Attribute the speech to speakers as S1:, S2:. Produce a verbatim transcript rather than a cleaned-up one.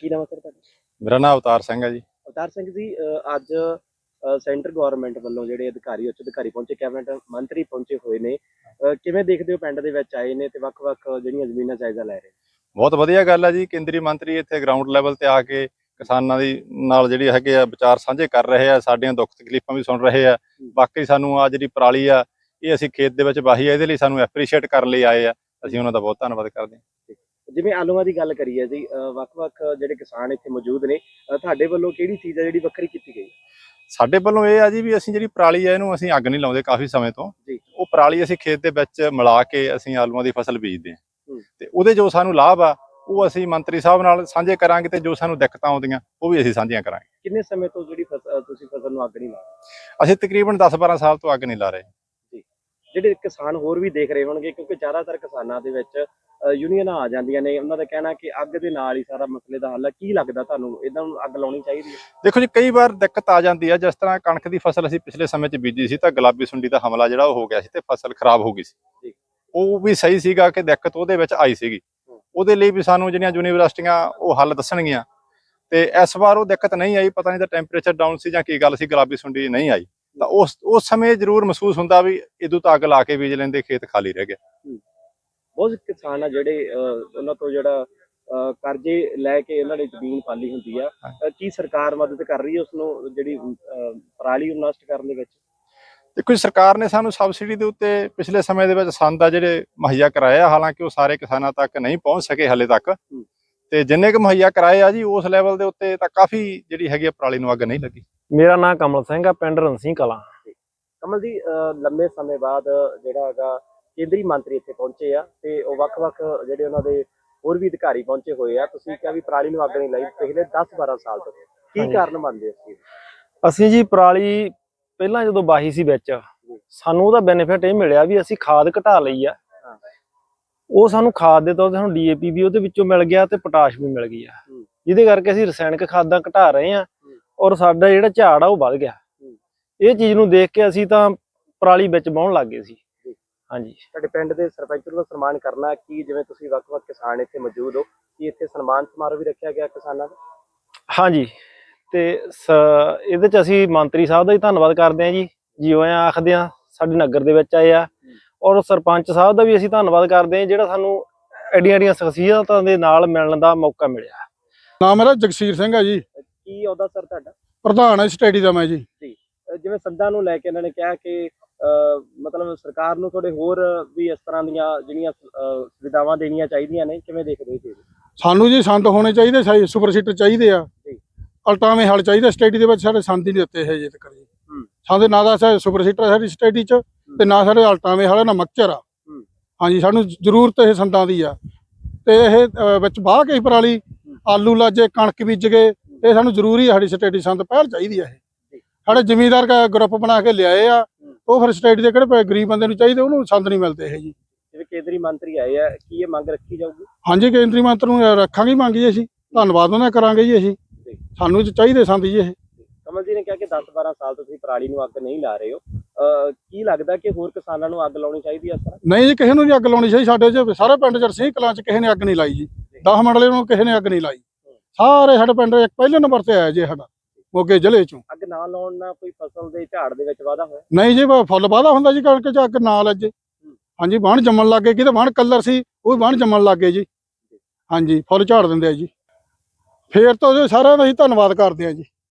S1: ਕੀ ਨਾਮ ਹੈ ਸਰ ਤੁਹਾਡਾ?
S2: ਮੇਰਾ ਨਾਮ ਅਵਤਾਰ ਸਿੰਘ ਹੈ ਜੀ।
S1: ਅਵਤਾਰ ਸਿੰਘ ਜੀ, ਅਹ ਅੱਜ ਅਹ ਸੈਂਟਰ ਗਵਰਨਮੈਂਟ ਵੱਲੋਂ ਜਿਹੜੇ ਅਧਿਕਾਰੀ ਉੱਚ ਅਧਿਕਾਰੀ ਪਹੁੰਚੇ, ਕੈਬਨਿਟ ਮੰਤਰੀ ਪਹੁੰਚੇ ਹੋਏ ਨੇ, ਅਹ ਕਿਵੇਂ ਦੇਖਦੇ ਹੋ ਪਿੰਡ ਦੇ ਵਿੱਚ ਆਏ ਨੇ ਤੇ ਵੱਖ-ਵੱਖ ਜਿਹੜੀਆਂ ਜ਼ਮੀਨਾਂ ਜਾਇਜ਼ਾ ਲੈ ਰਹੇ?
S2: ਬਹੁਤ ਵਧੀਆ ਗੱਲ ਹੈ ਜੀ। ਕੇਂਦਰੀ ਮੰਤਰੀ ਇੱਥੇ ਗਰਾਊਂਡ ਲੈਵਲ ਤੇ ਆ ਕੇ ਕਿਸਾਨਾਂ ਦੀ ਨਾਲ ਜਿਹੜੀ ਹੈਗੇ ਆ ਵਿਚਾਰ ਸਾਂਝੇ ਕਰ ਰਹੇ ਆ, ਸਾਡੀਆਂ ਦੁੱਖ ਤਕਲੀਫਾਂ ਵੀ ਸੁਣ ਰਹੇ ਆ। ਬਾਕੀ ਸਾਨੂੰ ਆ ਜਿਹੜੀ ਪਰਾਲੀ ਆ ਇਹ ਅਸੀਂ ਖੇਤ ਦੇ ਵਿੱਚ ਵਾਹੀ ਆ, ਇਹਦੇ ਲਈ ਸਾਨੂੰ ਐਪਰੀਸ਼ੀਏਟ ਕਰਨ ਲਈ ਆਏ ਆ। ਅਸੀਂ ਉਹਨਾਂ ਦਾ ਬਹੁਤ ਧੰਨਵਾਦ ਕਰਦੇ ਹਾਂ।
S1: ਜਿਵੇਂ ਆਲੂਆਂ ਦੀ ਗੱਲ ਕਰੀ ਹੈ ਜੀ, ਵੱਖ-ਵੱਖ ਜਿਹੜੇ ਕਿਸਾਨ ਇੱਥੇ ਮੌਜੂਦ ਨੇ, ਤੁਹਾਡੇ ਵੱਲੋਂ ਕਿਹੜੀ ਚੀਜ਼ ਹੈ ਜਿਹੜੀ ਵੱਖਰੀ ਕੀਤੀ ਗਈ?
S2: ਸਾਡੇ ਵੱਲੋਂ ਇਹ ਆ ਜੀ ਵੀ ਅਸੀਂ ਜਿਹੜੀ ਪਰਾਲੀ ਹੈ ਇਹਨੂੰ ਅਸੀਂ ਅੱਗ ਨਹੀਂ ਲਾਉਂਦੇ ਕਾਫੀ ਸਮੇਂ ਤੋਂ। ਉਹ ਪਰਾਲੀ ਅਸੀਂ ਖੇਤ ਦੇ ਵਿੱਚ ਮਿਲਾ ਕੇ ਅਸੀਂ ਆਲੂਆਂ ਦੀ ਫਸਲ ਬੀਜਦੇ ਹਾਂ ਤੇ ਉਹਦੇ ਜੋ ਸਾਨੂੰ ਲਾਭ ਆ ਉਹ ਅਸੀਂ ਮੰਤਰੀ ਸਾਹਿਬ ਨਾਲ ਸਾਂਝੇ ਕਰਾਂਗੇ ਤੇ ਜੋ ਸਾਨੂੰ ਦਿੱਕਤਾਂ ਆਉਂਦੀਆਂ ਉਹ ਵੀ ਅਸੀਂ ਸਾਂਝੀਆਂ ਕਰਾਂਗੇ।
S1: ਕਿੰਨੇ ਸਮੇਂ ਤੋਂ ਜਿਹੜੀ ਤੁਸੀਂ ਫਸਲ ਨੂੰ ਅੱਗ ਨਹੀਂ ਲਾ ਰਹੇ?
S2: ਅਸੀਂ ਤਕਰੀਬਨ ਦਸ ਬਾਰਾਂ ਸਾਲ ਤੋਂ ਅੱਗ ਨਹੀਂ ਲਾ ਰਹੇ।
S1: ਜਿਹੜੇ ਕਿਸਾਨ ਹੋਰ ਵੀ ਦੇਖ ਰਹੇ ਹੋਣਗੇ, ਕਿਉਂਕਿ ਜ਼ਿਆਦਾਤਰ ਕਿਸਾਨਾਂ ਦੇ ਵਿੱਚ ਯੂਨੀਅਨਾਂ ਆ ਜਾਂਦੀਆਂ ਨੇ, ਉਹਨਾਂ ਦਾ ਕਹਿਣਾ ਕਿ ਅੱਗ ਦੇ ਨਾਲ ਹੀ ਸਾਰਾ ਮਸਲੇ ਦਾ ਹੱਲ ਹੈ। ਕੀ ਲੱਗਦਾ ਤੁਹਾਨੂੰ, ਇਹਨਾਂ ਨੂੰ ਅੱਗ ਲਾਉਣੀ ਚਾਹੀਦੀ ਹੈ?
S2: ਦੇਖੋ ਜੀ, ਕਈ ਵਾਰ ਦਿੱਕਤ ਆ ਜਾਂਦੀ ਹੈ। ਜਿਸ ਤਰ੍ਹਾਂ ਕਣਕ ਦੀ ਫਸਲ ਅਸੀਂ ਪਿਛਲੇ ਸਮੇਂ 'ਚ ਬੀਜੀ ਸੀ ਤਾਂ ਗੁਲਾਬੀ ਸੁੰਡੀ ਦਾ ਹਮਲਾ ਜਿਹੜਾ ਉਹ ਹੋ ਗਿਆ ਸੀ ਤੇ ਫਸਲ ਖਰਾਬ ਹੋ ਗਈ ਸੀ। ਉਹ ਵੀ ਸਹੀ ਸੀਗਾ ਕਿ ਦਿੱਕਤ ਉਹਦੇ ਵਿੱਚ ਆਈ ਸੀਗੀ। ਉਹਦੇ ਲਈ ਵੀ ਸਾਨੂੰ ਜਿਹੜੀਆਂ ਯੂਨੀਵਰਸਿਟੀਆਂ ਉਹ ਹੱਲ ਦੱਸਣਗੀਆਂ ਤੇ ਇਸ ਵਾਰ ਉਹ ਦਿੱਕਤ ਨਹੀਂ ਆਈ। ਪਤਾ ਨਹੀਂ ਤਾਂ ਟੈਂਪਰੇਚਰ ਡਾਊਨ ਸੀ ਜਾਂ ਕੀ ਗੱਲ ਸੀ, ਗੁਲਾਬੀ ਸੁੰਡੀ ਨਹੀਂ ਆਈ। ਤਾਂ ਉਸ ਉਸ ਸਮੇਂ ਜ਼ਰੂਰ ਮਹਿਸੂਸ ਹੁੰਦਾ ਵੀ ਇਦੋਂ ਤਾਂ ਅੱਗ ਲਾ ਕੇ ਬੀਜ ਲੈਂਦੇ, ਖੇਤ ਖਾਲੀ ਰਹਿ ਗਿਆ।
S1: ਬਹੁਤ ਕਿਸਾਨ ਆ ਜਿਹੜੇ ਉਹਨਾਂ ਤੋਂ ਜਿਹੜਾ ਕਰਜ਼ੇ ਲੈ ਕੇ ਇਹਨਾਂ ਨੇ ਜ਼ਮੀਨ ਪਾਲੀ ਹੁੰਦੀ ਆ, ਕੀ ਸਰਕਾਰ ਮਦਦ ਕਰ ਰਹੀ ਹੈ ਉਸਨੂੰ ਜਿਹੜੀ ਪਰਾਲੀ ਨੂੰ ਨਸ਼ਟ ਕਰਨ ਦੇ ਵਿੱਚ?
S2: ਦੇਖੋ ਜੀ, ਸਰਕਾਰ ਨੇ ਸਾਨੂੰ ਸਬਸਿਡੀ ਦੇ ਉੱਤੇ ਪਿਛਲੇ ਸਮੇਂ ਦੇ ਵਿੱਚ ਸੰਦ ਆ ਜਿਹੜੇ ਮੁਹੱਈਆ ਕਰਾਏ ਆ। ਹਾਲਾਂਕਿ ਉਹ ਸਾਰੇ ਕਿਸਾਨਾਂ ਤੱਕ ਨਹੀਂ ਪਹੁੰਚ ਸਕੇ ਹਾਲੇ ਤੱਕ, ਤੇ ਜਿੰਨੇ ਕੁ ਮੁਹੱਈਆ ਕਰਾਏ ਆ ਜੀ ਉਸ ਲੈਵਲ ਦੇ ਉੱਤੇ ਤਾਂ ਕਾਫੀ ਜਿਹੜੀ ਹੈਗੀ ਆ ਪਰਾਲੀ ਨੂੰ ਅੱਗ ਨਹੀਂ ਲੱਗੀ।
S3: ਮੇਰਾ ਨਾਮ ਕਮਲ ਸਿੰਘ ਆ, ਪਿੰਡ ਰਣਸੀ ਕਲਾਂ।
S1: ਕਮਲ ਜੀ, ਲੰਮੇ ਸਮੇਂ ਬਾਅਦ ਜਿਹੜਾ ਹੈਗਾ ਕੇਂਦਰੀ ਮੰਤਰੀ ਇੱਥੇ ਪਹੁੰਚੇ ਆ ਤੇ ਉਹ ਵੱਖ-ਵੱਖ ਜਿਹੜੇ ਉਹਨਾਂ ਦੇ ਹੋਰ ਵੀ ਅਧਿਕਾਰੀ ਪਹੁੰਚੇ ਹੋਏ ਆ। ਤੁਸੀਂ ਕਿਹਾ ਵੀ ਪਰਾਲੀ ਨੂੰ ਅੱਗ ਨਹੀਂ ਲਾਈ ਪਿਛਲੇ ਦਸ ਬਾਰਾਂ ਸਾਲ ਤੋਂ, ਕੀ ਕਾਰਨ ਮੰਨਦੇ ਹੋ?
S3: ਅਸੀਂ ਜੀ ਪਰਾਲੀ ਪਹਿਲਾਂ ਜਦੋਂ ਵਾਹੀ ਸੀ ਵਿੱਚ, ਸਾਨੂੰ ਉਹਦਾ ਬੈਨੀਫਿਟ ਇਹ ਮਿਲਿਆ ਵੀ ਅਸੀਂ ਖਾਦ ਘਟਾ ਲਈ ਆ। ਉਹ ਸਾਨੂੰ ਖਾਦ ਦੇ ਤੌਰ ਤੇ ਸਾਨੂੰ ਡੀ ਏ ਪੀ ਵੀ ਉਹਦੇ ਵਿੱਚੋਂ ਮਿਲ ਗਿਆ ਤੇ ਪੋਟਾਸ਼ ਵੀ ਮਿਲ ਗਈ ਆ, ਜਿਹਦੇ ਕਰਕੇ ਅਸੀਂ ਰਸਾਇਣਿਕ ਖਾਦਾਂ ਘਟਾ ਰਹੇ ਆ ਔਰ ਸਾਡਾ ਜਿਹੜਾ ਝਾੜ ਆ ਉਹ ਵੱਧ ਗਿਆ। ਇਹ ਚੀਜ਼ ਨੂੰ ਦੇਖ ਕੇ ਅਸੀਂ ਤਾਂ ਪਰਾਲੀ ਵਿੱਚ ਵਾਹੁਣ ਲੱਗ ਗਏ ਸੀ। ਹਾਂਜੀ,
S1: ਤੁਹਾਡੇ ਪਿੰਡ ਦੇ ਸਰਪੰਚ ਨੂੰ ਸਨਮਾਨ ਕਰਨਾ, ਕੀ ਜਿਵੇਂ ਤੁਸੀਂ ਵੱਖ-ਵੱਖ ਕਿਸਾਨ ਇੱਥੇ ਮੌਜੂਦ ਹੋ, ਕੀ ਇੱਥੇ ਸਨਮਾਨ ਸਮਾਰੋਹ ਵੀ ਰੱਖਿਆ ਗਿਆ ਕਿਸਾਨਾਂ ਦਾ?
S3: ਹਾਂਜੀ, ਤੇ ਇਹਦੇ ਚ ਅਸੀਂ ਮੰਤਰੀ ਸਾਹਿਬ ਦਾ ਹੀ ਧੰਨਵਾਦ ਕਰਦੇ ਹਾਂ ਜੀ, ਜੀ ਆਇਆਂ ਆਖਦੇ ਹਾਂ, ਸਾਡੇ ਨਗਰ ਦੇ ਵਿੱਚ ਆਏ ਆ। ਔਰ ਸਰਪੰਚ ਸਾਹਿਬ ਦਾ ਵੀ ਅਸੀਂ ਧੰਨਵਾਦ ਕਰਦੇ ਹਾਂ ਜਿਹੜਾ ਸਾਨੂੰ ਐਡੀਆਂ ਐਡੀਆਂ ਸ਼ਖਸੀਅਤਾਂ ਦੇ ਨਾਲ ਮਿਲਣ ਦਾ ਮੌਕਾ ਮਿਲਿਆ।
S4: ਨਾਮ ਮੇਰਾ ਜਗਸੀਰ ਸਿੰਘ ਹੈ ਜੀ।
S1: ਕੀ ਅਹੁਦਾ ਸਰ ਤੁਹਾਡਾ?
S4: ਪ੍ਰਧਾਨ ਹੈ ਸਟੇਡੀ ਦਾ ਮੈਂ ਜੀ।
S1: ਜੀ, ਜਿਵੇਂ ਸੰਦਾਂ ਨੂੰ ਲੈ ਕੇ ਇਹਨਾਂ ਨੇ ਕਿਹਾ ਕਿ ਮਤਲਬ ਸਰਕਾਰ ਨੂੰ ਥੋੜੇ ਹੋਰ ਵੀ ਇਸ ਤਰ੍ਹਾਂ ਦੀਆਂ ਜਿਹੜੀਆਂ ਸੁਵਿਧਾਵਾਂ ਦੇਣੀਆਂ ਚਾਹੀਦੀਆਂ ਨੇ, ਕਿਵੇਂ ਦੇਖਦੇ ਹੋ?
S4: ਸਾਨੂੰ ਜੀ ਸੰਦ ਹੋਣੇ ਚਾਹੀਦੇ, ਸੁਪਰ ਸੀਟਰ ਚਾਹੀਦੇ ਆ, ਅਲਟਾਵੇਂ ਹਲ ਚਾਹੀਦਾ। ਸਟੇਡੀ ਦੇ ਵਿੱਚ ਸਾਡੇ ਸੰਦ ਹੀ ਨਹੀਂ ਦਿੱਤੇ ਹੈ ਜੀ ਤੱਕ ਜੀ। ਸਾਡੇ ਨਾ ਦਾ ਸੁਪਰ ਸੀਟਰ ਸਾਡੀ ਸਟੇਡੀ ਚ ਤੇ ਨਾ ਸਾਡੇ ਅਲਟਾਵੇਂ ਹਲ, ਨਾ ਮਕਚਰ ਆ। ਹਾਂਜੀ, ਸਾਨੂੰ ਜ਼ਰੂਰਤ ਇਹ ਸੰਦਾਂ ਦੀ ਆ ਤੇ ਇਹ ਵਿੱਚ ਬਾਹ ਕੇ ਪਰਾਲੀ ਆਲੂ ਲਾਜੇ ਕਣਕ ਬੀਜ ਗਏ, ਇਹ ਸਾਨੂੰ ਜ਼ਰੂਰੀ ਆ। ਸਾਡੀ ਸਟੇਡੀ ਸੰਦ ਪਹਿਲ ਚਾਹੀਦੀ ਆ। ਇਹ ਸਾਡੇ ਜ਼ਿਮੀਂਦਾਰ ਗਰੁੱਪ ਬਣਾ ਕੇ ਲਿਆਏ ਆ, ਉਹ ਫਿਰ ਸਟੇਡੀ ਦੇ ਕਿਹੜੇ ਗਰੀਬ ਬੰਦੇ ਨੂੰ ਚਾਹੀਦੇ, ਉਹਨੂੰ ਸੰਦ ਨਹੀਂ ਮਿਲਦੇ ਇਹ ਜੀ।
S1: ਜਿਵੇਂ ਕੇਂਦਰੀ ਮੰਤਰੀ ਆਏ ਆ, ਕੀ ਇਹ ਮੰਗ ਰੱਖੀ ਜਾਊਗੀ?
S4: ਹਾਂਜੀ, ਕੇਂਦਰੀ ਮੰਤਰੀ ਨੂੰ ਰੱਖਾਂਗੇ ਮੰਗ ਜੀ, ਅਸੀਂ ਧੰਨਵਾਦ ਉਹਨਾਂ ਕਰਾਂਗੇ ਜੀ। ਅਸੀਂ ਸਾਨੂੰ ਚਾਹੀਦੇ ਸੰਦ ਜੀ ਇਹ।
S1: ਕਮਲ ਜੀ ਨੇ ਕਿਹਾ ਕਿ ਦਸ ਬਾਰਾਂ ਸਾਲ ਤੋਂ ਤੁਸੀਂ ਪਰਾਲੀ ਨੂੰ ਅੱਗ ਨਹੀਂ ਲਾ ਰਹੇ ਹੋ, ਕੀ ਲੱਗਦਾ ਕਿ ਹੋਰ ਕਿਸਾਨਾਂ ਨੂੰ ਅੱਗ ਲਾਉਣੀ ਚਾਹੀਦੀ ਹੈ?
S4: ਨਹੀਂ ਜੀ, ਕਿਸੇ ਨੂੰ ਨਹੀਂ ਅੱਗ ਲਾਉਣੀ ਚਾਹੀਦੀ। ਸਾਡੇ ਚ ਸਾਰੇ ਪਿੰਡ ਚ ਰਣਸੀ ਕਲਾਂ ਚ ਕਿਸੇ ਨੇ ਅੱਗ ਨਹੀਂ ਲਾਈ ਜੀ। ਦਸ ਮੰਡਲੇ ਨੂੰ ਕਿਸੇ ਨੇ ਅੱਗ ਨਹੀਂ ਲਾਈ। ਸਾਰੇ ਸਾਡੇ ਪਿੰਡ ਇੱਕ ਪਹਿਲੇ ਨੰਬਰ ਤੇ ਆਇਆ ਜੀ ਸਾਡਾ ਮੋਗੇ ਜ਼ਿਲ੍ਹੇ ਚੋਂ।
S1: ਅੱਗ ਨਾ ਲਾਉਣ ਨਾਲ ਕੋਈ ਫਸਲ ਦੇ ਝਾੜ ਦੇ ਵਿੱਚ ਵਾਧਾ ਹੋਇਆ?
S4: ਨਹੀਂ ਜੀ, ਫੁੱਲ ਵਾਧਾ ਹੁੰਦਾ ਜੀ ਕਣਕ ਚ ਅੱਗ ਨਾ ਲੱਜੇ। ਹਾਂਜੀ, ਵਾਹਣ ਜੰਮਣ ਲੱਗ ਗਏ, ਕਿਤੇ ਵਾਹਣ ਕਲਰ ਸੀ ਉਹ ਵੀ ਵਾਹਣ ਜੰਮਣ ਲੱਗ ਗਏ ਜੀ। ਹਾਂਜੀ, ਫੁੱਲ ਝਾੜ ਦਿੰਦੇ ਆ ਜੀ। ਫੇਰ ਤੋਂ ਸਾਰਿਆਂ ਦਾ ਅਸੀਂ ਧੰਨਵਾਦ ਕਰਦੇ ਆ ਜੀ।